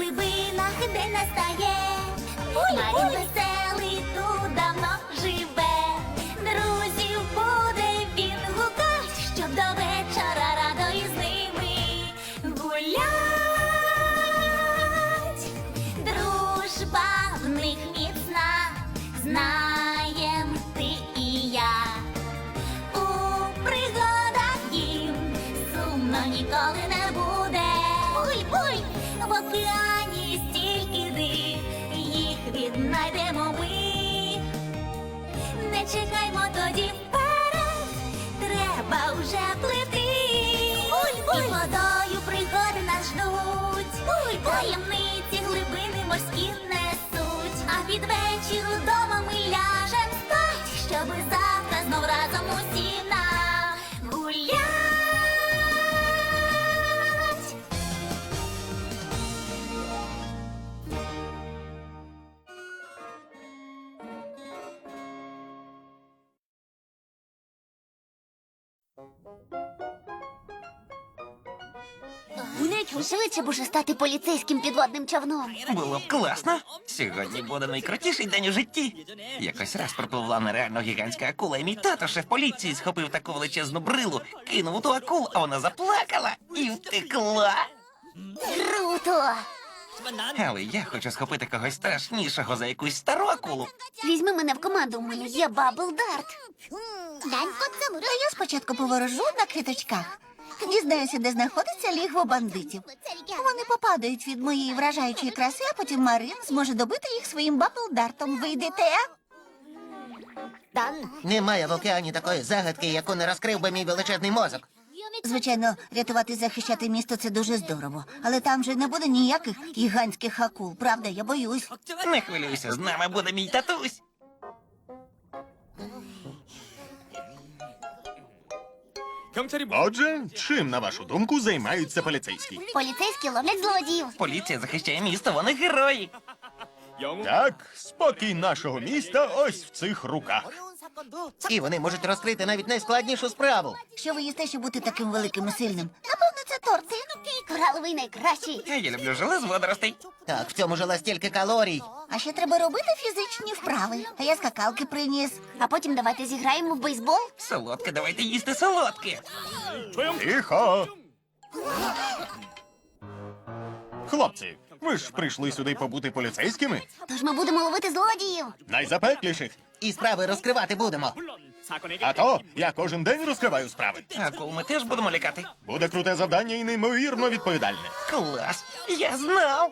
глибинах день настає. Марін веселий тут давно живе. Друзів буде він гукать, щоб до вечора радо із ними гулять. Дружба в них міцна, знаєм ти і я. У пригадах їм сумно ніколи не буде. Буй-буй, в океані стільки див, їх віднайдемо ми. Не чекаймо тоді вперед, треба вже плити. І водою пригоди нас ждуть. Таємниці глибини морські несуть. А під вечір удома ми ляжем спать, щоби завтра знов разом усі нагулять. Швидше б уже стати поліцейським підводним човном. Було б класно. Сьогодні буде найкрутіший день у житті. Якось раз пропливла нереально гігантська акула, і мій тато, шеф поліції, схопив таку величезну брилу, кинув у ту акулу, а вона заплакала і втекла. Круто! Але я хочу схопити когось страшнішого за якусь стару акулу. Візьми мене в команду, у мене є Бабл Дарт. А я спочатку поворожу на квіточках. Дізнаюся, де знаходиться лігво бандитів. Вони попадають від моєї вражаючої краси, а потім Марин зможе добити їх своїм бабл-дартом. Ви йдете? Немає в океані такої загадки, яку не розкрив би мій величезний мозок. Звичайно, рятувати і захищати місто – це дуже здорово. Але там же не буде ніяких гігантських акул, правда? Я боюсь. Не хвилюйся, з нами буде мій татусь. Отже, чим, на вашу думку, займаються поліцейські? Поліцейські ловлять злодіїв. Поліція захищає місто, вони герої. Так, спокій нашого міста ось в цих руках. І вони можуть розкрити навіть найскладнішу справу. Що ви їсте, щоб бути таким великим і сильним? Напевно, це торти. Кораловий найкращий. А я люблю желе з водоростей. Так, в цьому жила стільки калорій. А ще треба робити фізичні вправи. А я скакалки приніс. А потім давайте зіграємо в бейсбол. Солодке, давайте їсти солодке. Тихо! Хлопці, ви ж прийшли сюди побути поліцейськими? Тож ми будемо ловити злодіїв. Найзапекліших. І справи розкривати будемо. А то я кожен день розкриваю справи. Акул ми теж будемо лякати. Буде круте завдання і неймовірно відповідальне. Клас, я знав.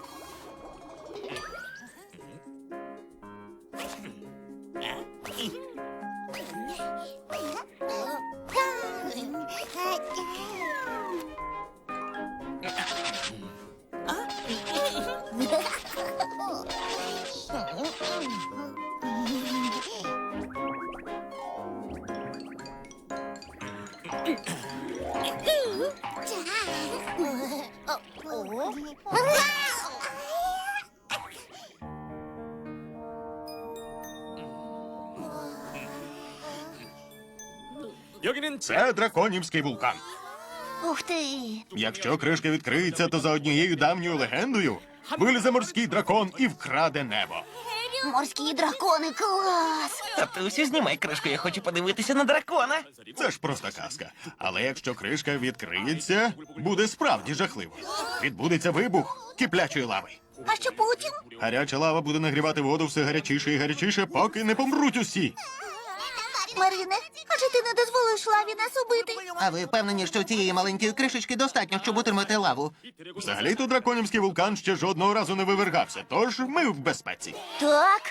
Це драконівський вулкан. Ух ти! Якщо кришка відкриється, то за однією давньою легендою вилізе морський дракон і вкраде небо. Морські дракони, клас! Татусю, знімай кришку, я хочу подивитися на дракона. Це ж просто казка. Але якщо кришка відкриється, буде справді жахливо. Відбудеться вибух киплячої лави. А що потім? Гаряча лава буде нагрівати воду все гарячіше і гарячіше, поки не помруть усі. Марине, адже ти не дозволиш лаві нас убити? А ви впевнені, що цієї маленької кришечки достатньо, щоб утримати лаву? Взагалі-то драконівський вулкан ще жодного разу не вивергався, тож ми в безпеці. Так?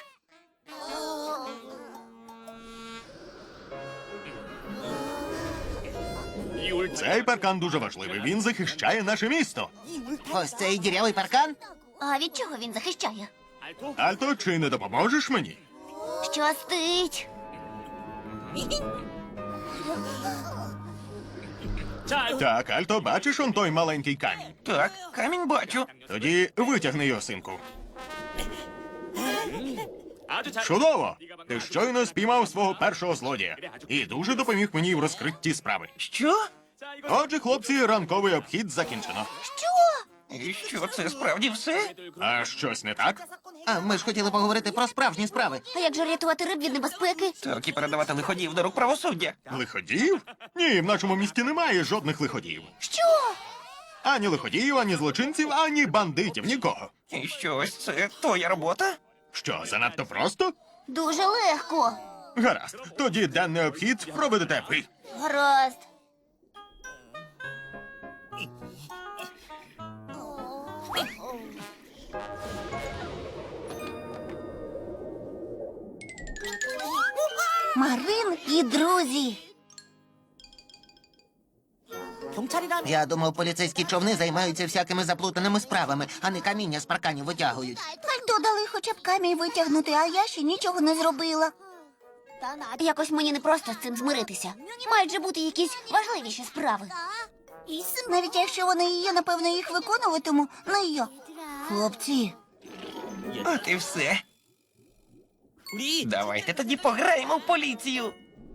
Цей паркан дуже важливий, він захищає наше місто. Ось цей дірявий паркан? А від чого він захищає? Альто, чи не допоможеш мені? Щастить! Так, Альто, бачиш он той маленький камінь? Так, камінь бачу. Тоді витягни його, синку. Чудово! Ти щойно спіймав свого першого злодія. І дуже допоміг мені в розкритті справи. Що? Отже, хлопці, ранковий обхід закінчено. Що? І що, це справді все? А щось не так? А ми ж хотіли поговорити про справжні справи. А як же рятувати риб від небезпеки? Так і передавати лиходіїв до рук правосуддя. Лиходіїв? Ні, в нашому місті немає жодних лиходіїв. Що? Ані лиходіїв, ані злочинців, ані бандитів, нікого. І що, ось це твоя робота? Що, занадто просто? Дуже легко. Гаразд, тоді денний обхід проведете ви. Гаразд. Марин і друзі. Я думав, поліцейські човни займаються всякими заплутаними справами, а не каміння з парканів витягують. Альто дали хоча б камінь витягнути, а я ще нічого не зробила. Якось мені не просто з цим змиритися. Мають же бути якісь важливіші справи. Навіть якщо вони і є, напевно, їх виконуватиму не я. Хлопці, От і все. Давайте тоді пограємо в поліцію.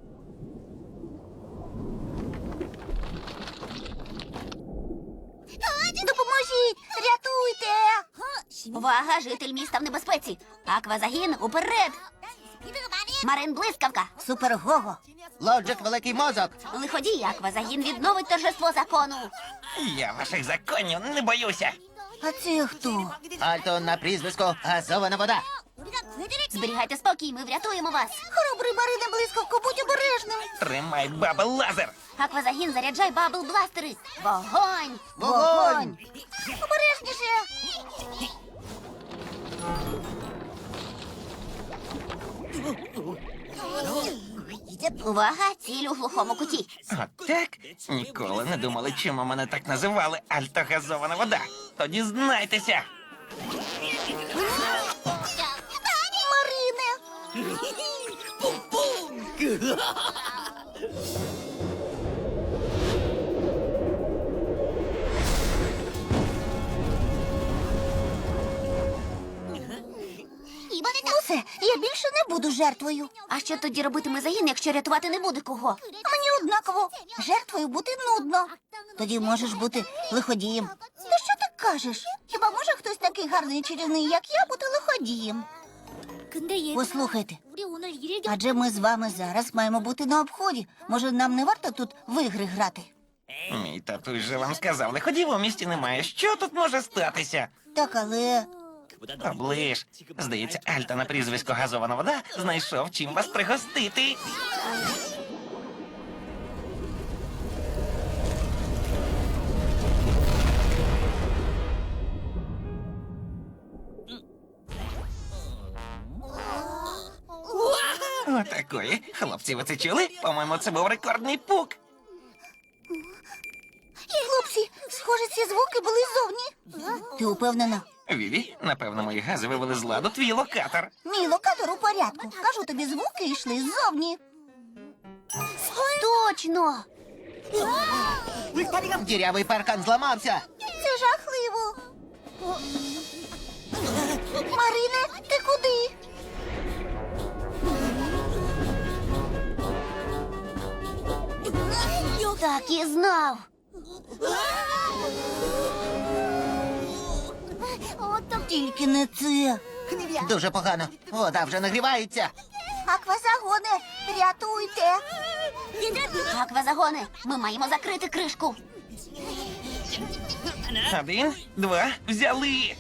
допоможіть! Рятуйте! Увага, житель міста в небезпеці. Аквазагін уперед. Марин блискавка. Супер Гого! Лоджик, великий мозок. Лиходій, аквазагін відновить торжество закону. Я ваших законів не боюся. А це хто? Альто на прізвисько газована вода. Зберігайте спокій, ми врятуємо вас. Хоробрий Марине блискавко, будь обережним! Тримай бабл лазер. Аквазагін, заряджай бабл бластери. Вогонь! Вогонь! Обережніше! Увага, ціль у глухому куті. От так? Ніколи не думали, чому мене так називали альтогазована вода. Тоді знайтеся. Марине! Ну все, я більше не буду жертвою. А що тоді робитиме загін, якщо рятувати не буде кого? Мені однаково. Жертвою бути нудно. Тоді можеш бути лиходієм. Та що ти кажеш? Хіба може хтось такий гарний і чарівний, як я, бути лиходієм? Послухайте, адже ми з вами зараз маємо бути на обході. Може, нам не варто тут в ігри грати? Мій татусь же вам сказав, лиходів у місті немає. Що тут може статися? Так, але Оближ. Здається, Альта на прізвисько газована вода знайшов чим вас пригостити. Отакої. Хлопці, ви це чули? По-моєму, це був рекордний пук. хлопці, схоже, ці звуки були ззовні. Ти упевнена? Віві, напевно, мої гази вивели з ладу твій локатор. Мій локатор у порядку. Кажу тобі, звуки йшли ззовні. Точно! Дірявий паркан зламався. Це жахливо. Марине, ти куди? Так і знав. Тільки не це. Дуже погано. Вода вже нагрівається. Аквазагоне, рятуйте. Аквазагони, ми маємо закрити кришку. 1, 2, взяли.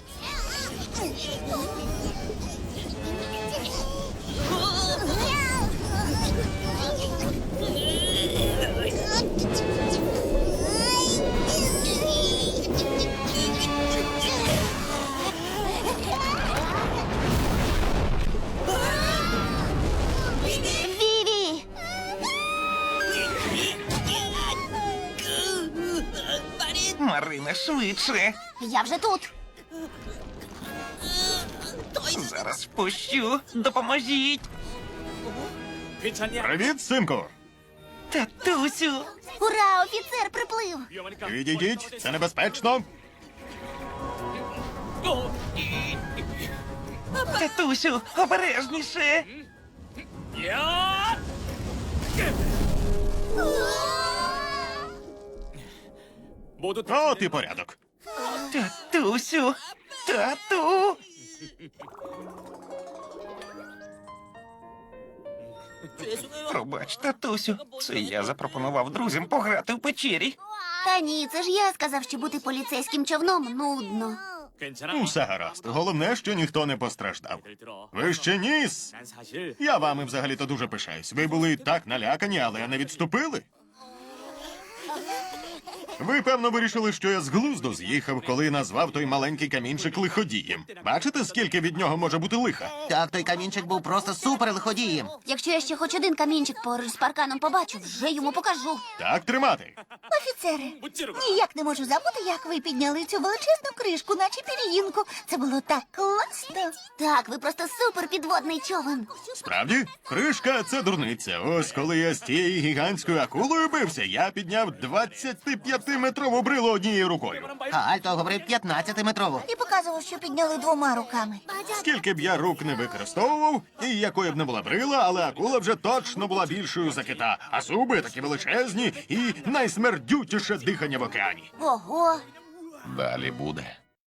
Віві! Марина, швидше. Я вже тут. Зараз спущу. Допоможіть. Привіт, синку. Татусю. Ура, офіцер приплив. Відійдіть, це небезпечно. Татусю, обережніше. От і порядок. Татусю! Тату! Пробач, татусю. Це я запропонував друзям пограти в печері. Та ні, це ж я сказав, що бути поліцейським човном нудно. Усе гаразд. Головне, що ніхто не постраждав. Ви ще ніс! Я вами взагалі-то дуже пишаюсь. Ви були так налякані, але не відступили. Ви, певно, вирішили, що я з глузду з'їхав, коли назвав той маленький камінчик лиходієм. Бачите, скільки від нього може бути лиха? Так, той камінчик був просто супер лиходієм. Якщо я ще хоч один камінчик поруч з парканом побачу, вже йому покажу. Так тримати. Офіцери, ніяк не можу забути, як ви підняли цю величезну кришку, наче пір'їнку. Це було так класно. Так, ви просто супер підводний човен. Справді, кришка це дурниця. Ось коли я з тією гігантською акулою бився, я підняв 25-метрову брилу однією рукою. А Альто говорив 15-метрову. І показував, що підняли 2 руками. Скільки б я рук не використовував, і якою б не була брила, але акула вже точно була більшою за кита, а зуби такі величезні і найсмердютіше дихання в океані. Ого. Далі буде.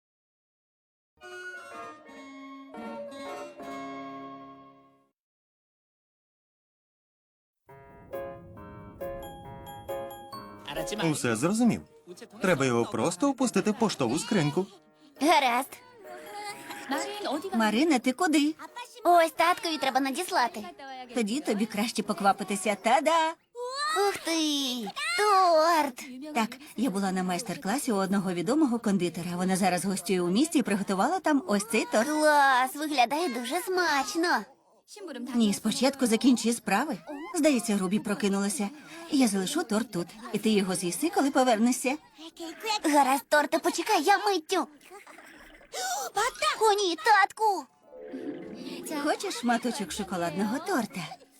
Усе зрозумів. Треба його просто опустити в поштову скриньку. Гаразд. Марина, ти куди? Ось таткові треба надіслати. Тоді тобі краще поквапитися. Та-да! Ух ти! Торт! Так, я була на майстер-класі у одного відомого кондитера. Вона зараз гостює у місті і приготувала там ось цей торт. Клас! Виглядає дуже смачно. Ні, спочатку закінчи справи. Здається, Рубі прокинулася. Я залишу торт тут, і ти його з'їси, коли повернешся. Гаразд, торте, почекай, я миттю. О, ні, татку! Хочеш шматочок шоколадного торта?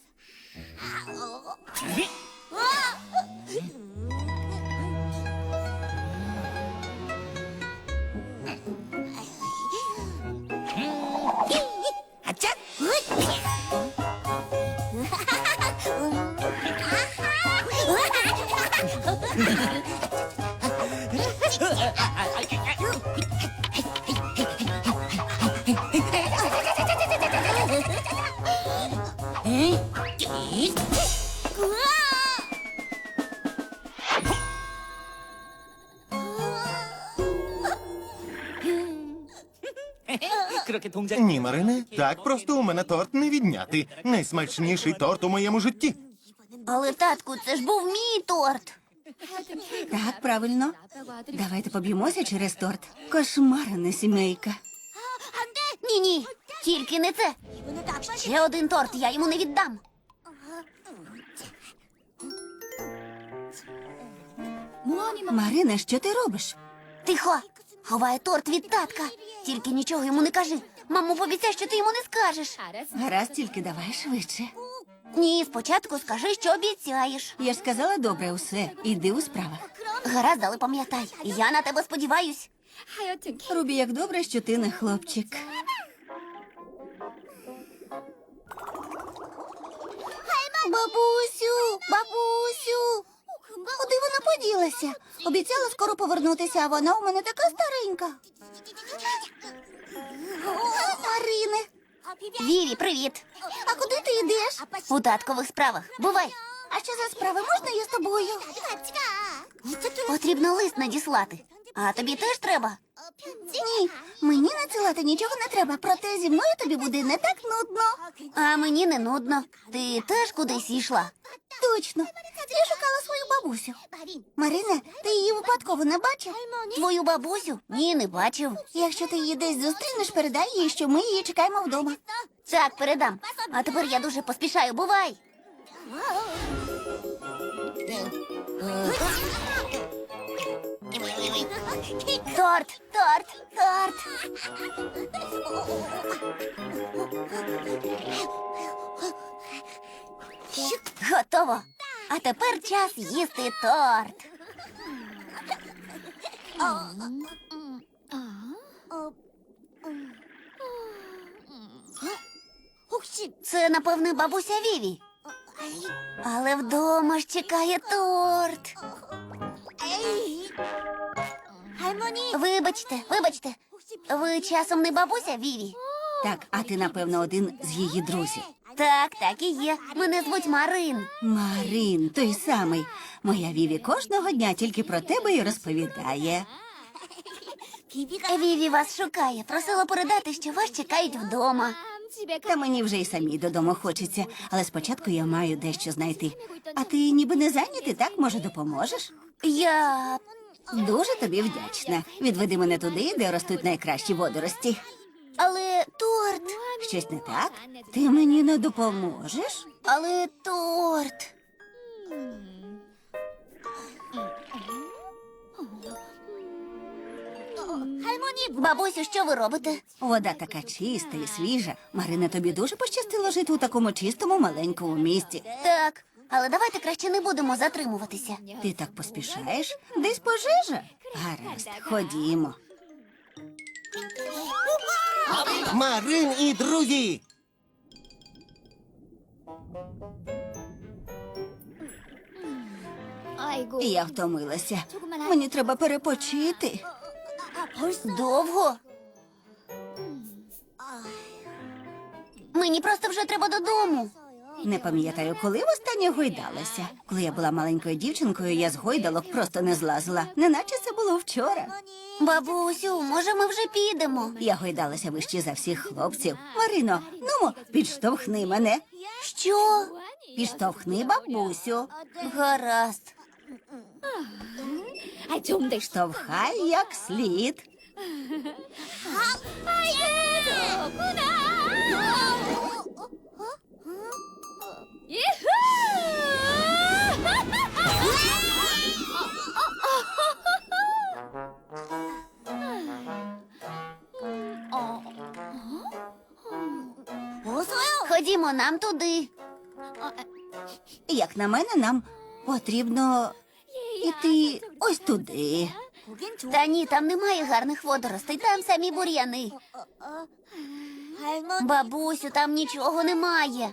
Ні, Марине, так просто у мене торт не відняти. Найсмачніший торт у моєму житті. Але, татку, це ж був мій торт. Так, правильно. Давайте поб'ємося через торт. Кошмарна сімейка. Ні-ні, тільки не це. Ще один торт, я йому не віддам. Марина, що ти робиш? Тихо, ховай торт від татка. Тільки нічого йому не кажи. Мамо, пообіцяй, що ти йому не скажеш. Гаразд, тільки давай швидше. Ні, спочатку скажи, що обіцяєш. Я ж сказала добре усе. Іди у справах. Гаразд, але пам'ятай, я на тебе сподіваюсь. Рубі, як добре, що ти не хлопчик. Бабусю, бабусю. Куди вона поділася? Обіцяла скоро повернутися, а вона у мене така старенька. Марине, Віві, привіт. а куди ти йдеш? У таткових справах. Бувай. А що за справи? Можна я з тобою? Потрібно лист надіслати. А тобі теж треба? Ні, мені надсилати нічого не треба, проте зі мною тобі буде не так нудно. А мені не нудно. Ти теж кудись йшла? Точно. Я шукала свою бабусю. Марина, ти її випадково не бачив? Твою бабусю? Ні, не бачив. Якщо ти її десь зустрінеш, передай їй, що ми її чекаємо вдома. Так, передам. А тепер я дуже поспішаю. Бувай. Торт, торт, торт. Готово. А тепер час їсти торт. Це, напевне, бабуся Віві. Але вдома ж чекає торт. Вибачте, ви часом не бабуся Віві? Так, а ти, напевно, один з її друзів. Так і є. Мене звуть Марин. Марин, той самий. Моя Віві кожного дня тільки про тебе і розповідає. Віві вас шукає. Просила передати, що вас чекають вдома. Та мені вже й самій додому хочеться, але спочатку я маю дещо знайти. А ти ніби не зайнятий, так? Може, допоможеш? Я... Дуже тобі вдячна. Відведи мене туди, де ростуть найкращі водорості. Але торт... Щось не так? Ти мені не допоможеш? Але торт... Бабусю, що ви робите? Вода така чиста і свіжа. Марина, тобі дуже пощастило жити у такому чистому маленькому місті. Так, але давайте краще не будемо затримуватися. Ти так поспішаєш? Десь пожежа? Гаразд, ходімо. Марин і друзі! Я втомилася. Мені треба перепочити. Довго? Мені просто вже треба додому. Не пам'ятаю, коли востаннє гойдалася. Коли я була маленькою дівчинкою, я з гойдалок просто не злазила. Неначе це було вчора. Бабусю, може ми вже підемо? Я гойдалася вище за всіх хлопців. Марино, нумо, підштовхни мене. Що? Підштовхни бабусю. Гаразд. Штовхай як слід. Ходімо нам туди. Як на мене, нам потрібно іти ось туди. Та ні, там немає гарних водоростей, там самі бур'яни. Бабусю, там нічого немає.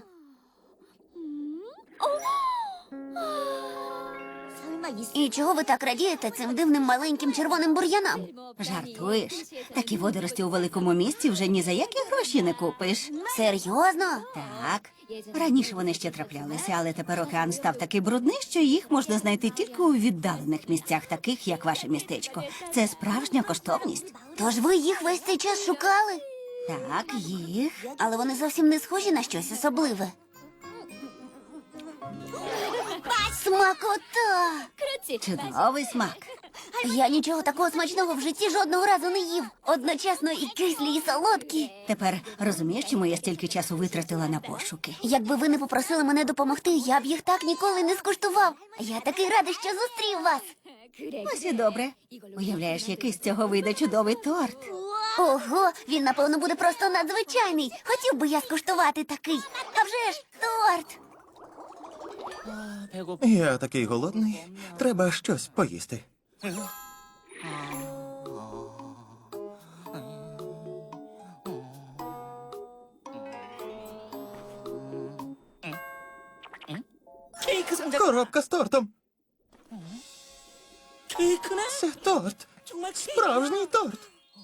І чого ви так радієте цим дивним маленьким червоним бур'янам? Жартуєш? Такі водорості у великому місті вже ні за які гроші не купиш. Серйозно? Так. Раніше вони ще траплялися, але тепер океан став такий брудний, що їх можна знайти тільки у віддалених місцях, таких як ваше містечко. Це справжня коштовність. Тож ви їх весь цей час шукали? Так, їх. Але вони зовсім не схожі на щось особливе. Смакота! Чудовий смак. Я нічого такого смачного в житті жодного разу не їв. Одночасно і кислі, і солодкі. Тепер розумієш, чому я стільки часу витратила на пошуки? Якби ви не попросили мене допомогти, я б їх так ніколи не скуштував. Я такий радий, що зустрів вас. Ось і добре. Уявляєш, який з цього вийде чудовий торт. Ого, він, напевно, буде просто надзвичайний. Хотів би я скуштувати такий. А вже ж, торт! Я такий голодний. Треба щось поїсти. Коробка з тортом. Це торт. Справжній торт.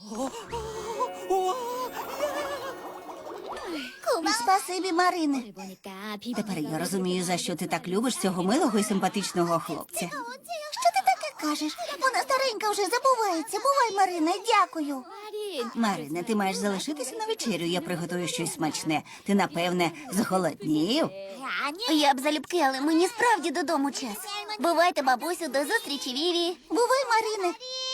Спасибі, Марине. Тепер я розумію, за що ти так любиш цього милого і симпатичного хлопця. Що ти таке кажеш? Вона старенька вже забувається. Бувай, Марина, дякую. Марине, ти маєш залишитися на вечерю. Я приготую щось смачне. Ти, напевне, зголоднів. Я б залюбки, але мені справді додому час. Бувайте, бабусю, до зустрічі, Віві. Бувай, Марине.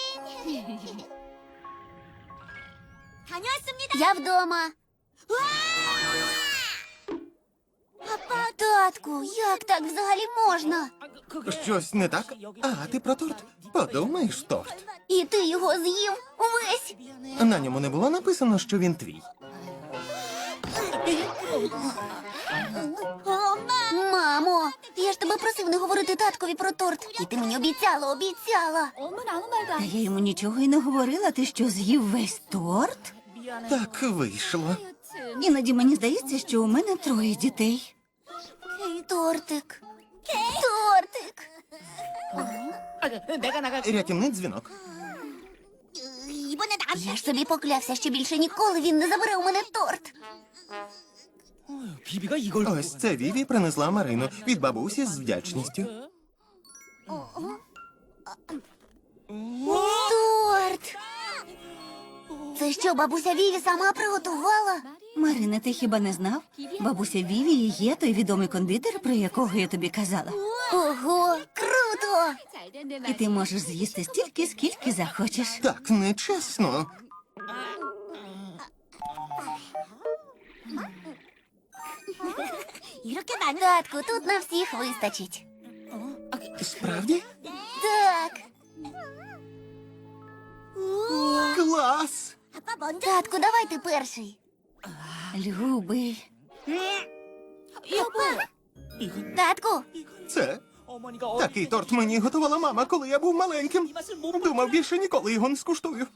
Я вдома. Татку, як так взагалі можна? Щось не так? А, ти про торт? Подумаєш, торт. І ти його з'їв увесь. На ньому не було написано, що він твій. Мамо, я ж тебе просив не говорити таткові про торт. І ти мені обіцяла. Та я йому нічого й не говорила. Ти що, з'їв весь торт? Так вийшло. Іноді мені здається, що у мене 3 дітей. Тортик. Рятівний дзвінок. Я ж собі поклявся, що більше ніколи він не забере у мене торт. Ось це Віві принесла Марину від бабусі з вдячністю. Торт! Це що, бабуся Віві сама приготувала? Марина, ти хіба не знав? Бабуся Віві і є той відомий кондитер, про якого я тобі казала. Ого, круто! І ти можеш з'їсти стільки, скільки захочеш. Так нечесно. Татку, тут на всіх вистачить. Справді? Так. Клас! Татку, давай ти перший. Любий. Татку, Це такий торт мені готувала мама, коли я був маленьким. Думав, більше ніколи його не скуштую.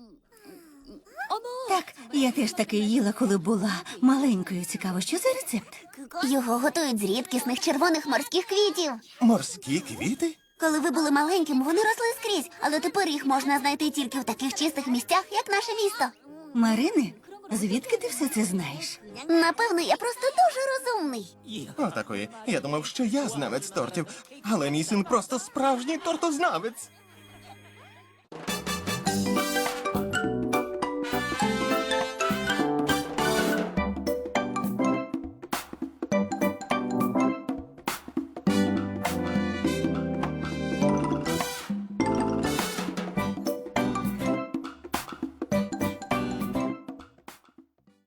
Так, я теж таки їла, коли була маленькою. Цікаво, що за рецепт? його готують з рідкісних червоних морських квітів. Морські квіти? Коли ви були маленьким, вони росли скрізь, але тепер їх можна знайти тільки в таких чистих місцях, як наше місто. Марине, звідки ти все це знаєш? Напевно, я просто дуже розумний. Отакої. Я думав, що я знавець тортів, але мій син просто справжній тортознавець.